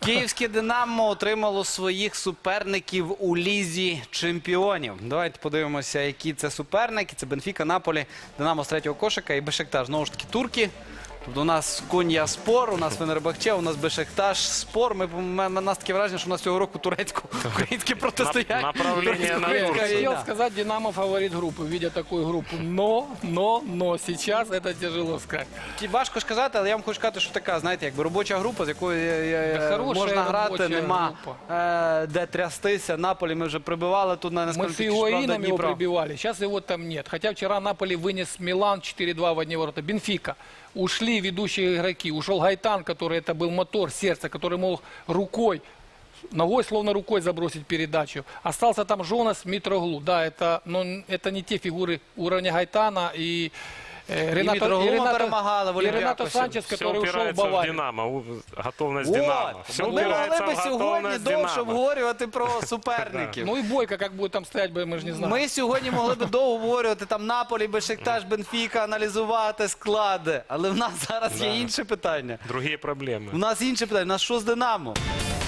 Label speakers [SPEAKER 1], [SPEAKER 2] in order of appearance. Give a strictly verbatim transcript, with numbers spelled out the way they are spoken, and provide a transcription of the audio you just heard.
[SPEAKER 1] Київське «Динамо» отримало своїх суперників у Лізі чемпіонів. Давайте подивимося, які це суперники. Це Бенфіка, Наполі, «Динамо» з третього кошика і Бешикташ. Знову ж таки, турки. Тобто у нас Кон'я-Спор, у нас Фенербахче, у нас Бешикташ-Спор. Ми, у нас таке враження, що у нас цього року турецько-українське протистояння.
[SPEAKER 2] Направление на
[SPEAKER 3] Я
[SPEAKER 2] Турцию.
[SPEAKER 3] хотел сказать, Динамо фаворит группы, видя такую группу. Но, но, но, сейчас это тяжело сказать.
[SPEAKER 1] Важко ж казати, але я вам хочу сказати, що така, знаєте, якби робоча група, з якою е,
[SPEAKER 3] Та хороша
[SPEAKER 1] можна грати,
[SPEAKER 3] робоча
[SPEAKER 1] нема
[SPEAKER 3] група.
[SPEAKER 1] е, де трястися. Наполі ми вже прибивали, тут на
[SPEAKER 3] Мы с
[SPEAKER 1] наскільки
[SPEAKER 3] Фигуаином его прибивали, сейчас его там нет. Хотя вчера Наполи вынес Милан четыре-два в одни ворота. Бенфика. Ушли ведущие игроки. Ушел Гайтан, который это был мотор, сердце, который мог рукой, ногой словно рукой забросить передачу. Остался там Жонас, Митроглу. Да, это, но это не те фигуры уровня Гайтана и э, Ренато,
[SPEAKER 1] Митроглу перемагали в
[SPEAKER 3] и Ренато
[SPEAKER 1] Олимпиакосе.
[SPEAKER 3] Санчес,
[SPEAKER 2] Все
[SPEAKER 3] который ушел в
[SPEAKER 2] упирается в
[SPEAKER 3] Баварию.
[SPEAKER 2] Динамо, у- готовность
[SPEAKER 1] От,
[SPEAKER 2] Динамо. Все
[SPEAKER 1] ми могли
[SPEAKER 2] упирается
[SPEAKER 1] би
[SPEAKER 2] в
[SPEAKER 1] сьогодні
[SPEAKER 2] готовность
[SPEAKER 1] довше
[SPEAKER 2] Динамо.
[SPEAKER 1] обговорювати про суперників.
[SPEAKER 3] Ну и Бойко, как будет там стоять, мы же не знаем.
[SPEAKER 1] Ми сьогодні могли б довго говорити там Наполі, Бешикташ, Бенфіка, аналізувати склади. Але в нас зараз є
[SPEAKER 2] Да.
[SPEAKER 1] інше питання.
[SPEAKER 2] Другие проблемы.
[SPEAKER 1] У нас інше питання. У нас що з «Динамо»?